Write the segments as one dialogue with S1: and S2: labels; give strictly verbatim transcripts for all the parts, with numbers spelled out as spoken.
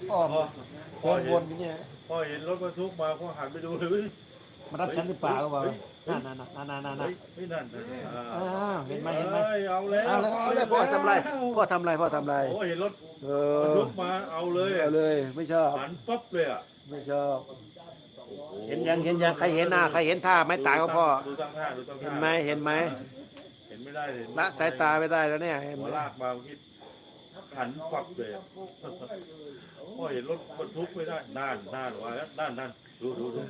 S1: อ้อม
S2: พ่อ
S1: วน
S2: เห็
S1: วน นอย่างเงี้ย
S2: พ่อเห็นรถบรรทุกมาพ่อหันไปดูเลย
S1: มารับฉันหรือเปล่าก็บอกนั่นนั่นนั่นนั่นนั่นนั่น
S2: ไม่นั่น
S1: อ้าวเห็นไหมเห็นไหม
S2: เอาแล้ว
S1: เอาแล้วเอาแล้วพ่อทำไรพ่อทำไรพ่อทำไร
S2: โอ้เห็นรถ
S1: เอบ
S2: รร
S1: อ
S2: ทุกมาเอาเลย
S1: เอาเลยไม่ชอบ
S2: หันปั๊บเลยอ่ะ
S1: ไม่ชอบ เห็นยังเห็นยังใครเห็นหน้าใครเห็นท่าไม้ตายก็พ่อ
S2: ดูตั้งท่าดูตั้งท่า
S1: เห็นไหมเห็นไหม
S2: เห็นไม่ได้เลย
S1: ละสายตาไม่ได้แล้วเนี่ยเห็นไห
S2: หั
S1: ม
S2: วลากมาคิดหันฟับเลยพ่อเห็นรถบรรทุกไม่ได้น่านน่านว่าแล้วน่านน่านดูดูดู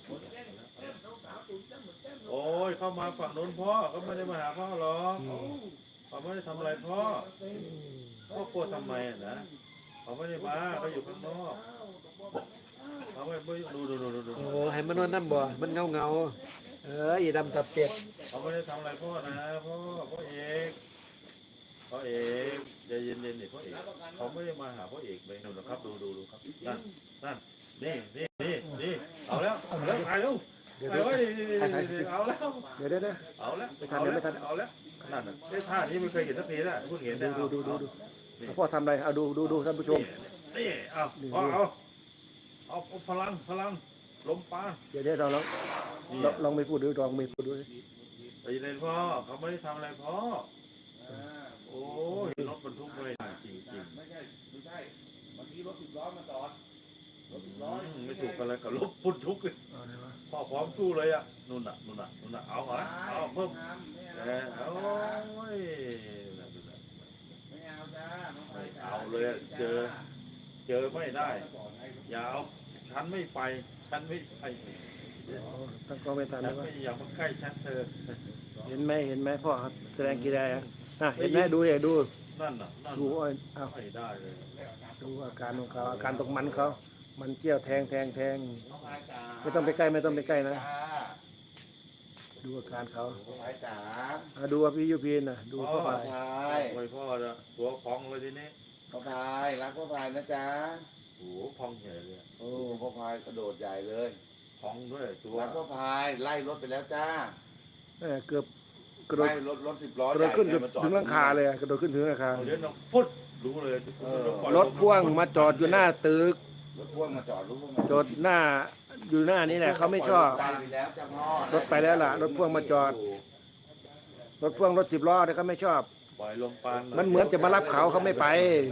S2: โอ้ยเข้ามาฝั่งโน้นพ่อเขาไม่ได้มาหาพ่อหรอกเขาไม่ได้ทำอะไรพ่อพ่อกลัวทำไมอ่ะนะเขาไม่ได้มาเขาอยู่ข้างนอกเขาไม่ไม่ดูดูดูดูดู
S1: โอ้ให้มันนวดน้ำบ่มันเงาเงาเอออีดำตับเป็ด
S2: เขาไม่ได้ทำอะไรพ่อนะพ่อพ่อเอกพ่อเอกใจเย็นๆนี่พ่อเอกเขาไม่ได้มาหาพ่อเอกเลยนะครับดูดูดูครับนั่นนั่นนี่นี่นี่นี่เอาแล้วเอาแล้วถ่ายแล้วถ่ายไว้เอาแล้ว
S1: เดี๋ยวเดี๋ยวเดี๋ยว
S2: เอาแล้ว
S1: ไม่ทันเดี๋ยวไม่ทัน
S2: เอาแล้วนั่นน่ะไอ้ท่านี้ไม่เคยเห็นสักทีนะเพิ่งเห็น
S1: ดู
S2: นะ
S1: ดูดูดูดูพ่อทำอะไรเอาดูดูดูท่านผู้ชม
S2: นี่เอาเอาเอาเอาพลังพลังลมปาน
S1: เดี๋ยวเดี๋ยวเราลองลองไม่พูดดูลองไม่พูดดู
S2: ไปเล่นพ่อเขาไม่ได้ทำอะไรพ่อโอ้ยรถบรรทุกเลยจริงจริง
S3: ไม่ใช่ไม่ใช่บางทีรถสิบล้อมาจอดรถสิบล้อ
S2: ไม่ถูกกันเลยกับรถบรรทุกเลยพ่อพร้อมสู้เลยอ่ะนู่นน่ะนู่นน่ะนู่นน่ะเอาเหรอเอาเพิ่มเออโอ้ย
S3: ไม่เอาจ้า
S2: ไม่เอาเลยเจอเจอไม่ได้อย่าเอาฉันไม่ไปฉันไม่ไป
S1: ตั้งกล้องไม่ทัน
S2: ฉั
S1: นะ
S2: น
S1: ว่า
S2: ไม่อยากมาใกล้ฉันเธอ
S1: เห็นไหมเห็นไหมพ่อแสดงกี่ได้อะอ่ะเห็นไหมดูเลยดู
S2: นั่นน่ะนั่น
S1: ดูเอาเอา
S2: ไม่ได้เลย
S1: ดูอาการของเขาอาการตกมันเขามันเจี้ยวแทงแทงแทงไม่ต้องไปใกล้ไม่ต้องไปใกล้นะดูอาการเขา
S3: พ่อพายจ๋า
S1: อ่ะดูว่าพี่ยูพีนนะดูเข้าไป
S3: พ่อพาย
S2: โอ้ยพ่อจะตัวพองเลยทีนี้
S3: พ่อพายรักพ่อพายนะจ๊ะ
S2: โอ้พองใหญ่เลย
S3: โอ้พ่อพายกระโดดใหญ่เลย
S2: พองด้วยตัว
S3: รักพ่อพายไล่รถไปแล้วจ้า
S1: เออเกือบกระโดด
S3: ไล่รถรถสิบล้อก
S1: ระโดดขึ้นถึงหลังคาเลยอะกระโดดขึ้นถึงหลังคา
S2: เดี๋ยวน้องฟุดรู้เลย
S1: รถพ่วงมาจอดอยู่หน้าตึก
S3: รถพ่วงมาจอดรู้ไหม
S1: จอดหน้าอยู่หน้านี้แหละเขาไม่ชอบ
S3: ไปแล้วจ้าพ่อ
S1: รถไปแล้วล่ะรถพ่วงมาจอด รถพ่วงรถสิบล้อเนี่ยเขาไม่ชอบ
S2: ปล่อยลมปาน
S1: มันเหมือนจะมารับเขาเขาไม่ไป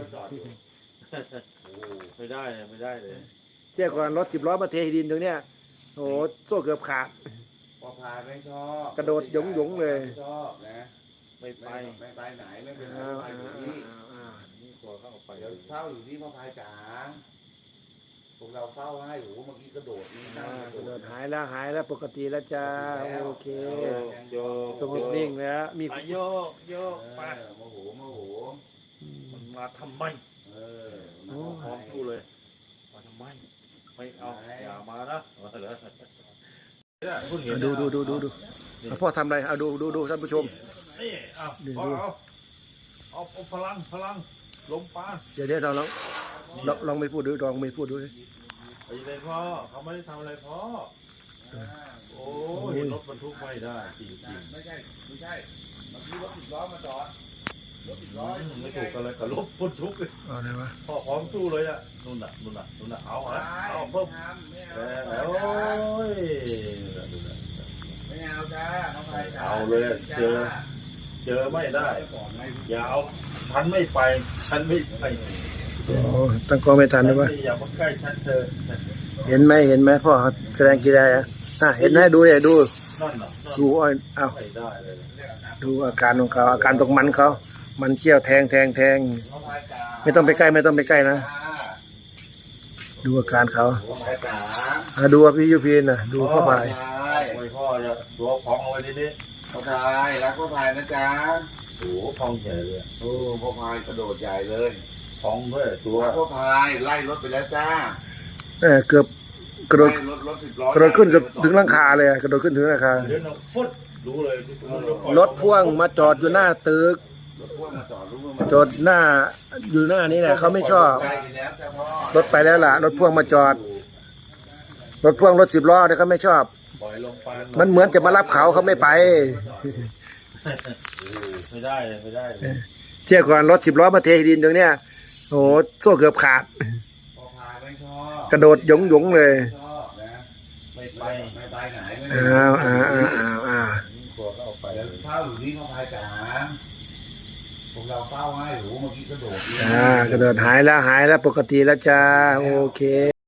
S2: ไม่ได้ไม่ได้เลย
S1: เที่ยวก่อนรถสิบล้อมาเทดินตรงเนี้ยโอ้โหโซ่เกือบขาด
S3: พ่อพายไม่ชอบ
S1: กระโดดหยงหยงๆเลย
S3: ไม่ชอบนะ
S2: ไม่ไป
S3: ไม่ไปไหนไม่เป็นไร
S1: อ้าว
S3: พ่อพาย
S1: อ้า
S3: อยู่
S1: ว
S3: นี่
S1: อ้าวอ้าว
S2: นี่กลัวเข้าไป
S3: เดี๋ยวเฝ้าอยู่ที่พ่อพายจ๋าพวกเราเฝ้าให้โอ้โหเมื่อกี้กระโดดนี่นั่
S1: อ่าง
S3: ก
S1: ก
S3: ระ
S1: ระ
S3: โด
S1: โด
S3: ด
S1: ดหายแล้วหายแล้วปกติแล้วจ้าโอเค
S2: โยก
S1: สงบนิ่งแล้วมี
S2: ไปโยกโยก
S3: เอ
S2: ไป
S3: อโมโหโมโห
S2: มันมาทำไม
S3: เออ
S1: โอ้
S2: พร้อมสู้เลยมาทำไมไม่เอาอย่ามานะเนี่ยเพิ่งเห็น
S1: ดูดูดูดูดูเอาพ่อทำอะไรเอาดูดูดูท่านผู้ชม
S2: นี่เอา
S1: ดู
S2: เอา
S1: ดู
S2: เอาเอาเอาพลังพลังลมปาน
S1: เดี๋ยวเดี๋ยวเราลองลองลองไม่พูดดูลองไม่พูดดู
S2: ไปเลยพ่อเขาไม่ได้ทำอะไรพ่อโอ้เห็นรถบรรทุกไม่ได้จริงจริง
S3: ไม่ใช่ไม่ใช่เมื่อกี้รถสิบล้อมาจอดรถสิบล้อ
S2: ไม่ถูกกันเลยกับรถบรรทุกเลย
S1: เอาอะไรวะ
S2: พ่อพร้อมสู้เลยอ่ะนู่นน่ะนู่นน่ะนู่นน่ะเอาอ่ะเอาเพิ่ม
S3: ไม่
S2: แล้
S3: เอา
S2: วโอ้ย
S3: ไม่เอาจ้าพ่อพายจ๋า
S2: เอาเลยเจอ เจอไม่ได้ อย่าเอาฉันไม่ไปฉันไม่ไป
S1: โอ้ตั้งกล้องไม่ทัน
S2: ฉั
S1: นะวะ
S2: อย่ามาใกล้ฉันเธอ
S1: เห็นไหมเห็นไหมพ่อแสดงกี่ได้อะอ่ะเห็นไหมดูเลยดู
S2: นั่นน่ะนั่น
S1: ดูอ้อยเอา
S2: ไม่ได้เลย
S1: ดูอาการของเขาอาการตกมันเขามันเขี้ยวแทงแทงแทง
S3: พ่อพายจ๋า
S1: ไม่ต้องไปใกล้ไม่ต้องไปใกล้นะดูอาการเขา
S3: พ่อพายจ๋า
S1: อ่ะดูว่าพี่ยูพีนนะดูเข้าไป
S3: พ่อพาย
S2: โอ้ยพ่อจะตัวพองเอาไว้ทีนี้
S3: พ่อพายรักพ่อพายนะจ๊ะ
S2: โอ้โหพองใหญ่เลย
S3: โอ้พ่อพายกระโดดใหญ่เลย
S2: พองด้วยตัว
S3: รักพ่อพายไล่รถไปแล้วจ้า
S1: เออเกือบกระโดด
S3: ไล่รถรถสิบล้อก
S1: ระโดดขึ้นกับถึงหลังคาเลยอะกระโดดขึ้นถึงหลังคา
S2: เดี๋ยวน้องฟุดรู้เลย
S1: รถพ่วงมาจอดอยู่หน้าตึก
S3: รถพ่วงมาจอดรู้ไหม
S1: จอดหน้าอยู่หน้านี้แหละเขาไม่ชอบ
S3: ไล่ไปแล้วจ้าพ่อ
S1: รถไปแล้วล่ะ รถพ่วงมาจอด รถพ่วงรถสิบล้อเนี่ยเขาไม่ชอบ
S2: ปล่อยลมปาน
S1: มันเหมือนจะมารับเขาเขาไม่ไป
S2: ไม่ได้เลยไม่ได้เลย
S1: เที่ยวก่อนรถสิบล้อมาเทดินตรงเนี้ยโอ้โหโซ่เกือบขาด
S3: พ่อพา
S1: กระโดดหยงหยงๆเลย
S3: ชอบนะ
S2: ไม่ไป
S3: ไม่ไปไหนไม่
S1: อ้าวอ้าวอ้าวอ้าวอ้าว
S2: ตัวก็เอาไป
S3: เดี๋ยวเฝ้าอยู่นี่พ่อพายจ๋าพวกเราเฝ้าให้หูเมื่อกี้กระโดดนี่
S1: อ่ากระโดดหายแล้วหายแล้วปกติแล้วจ้าโอเค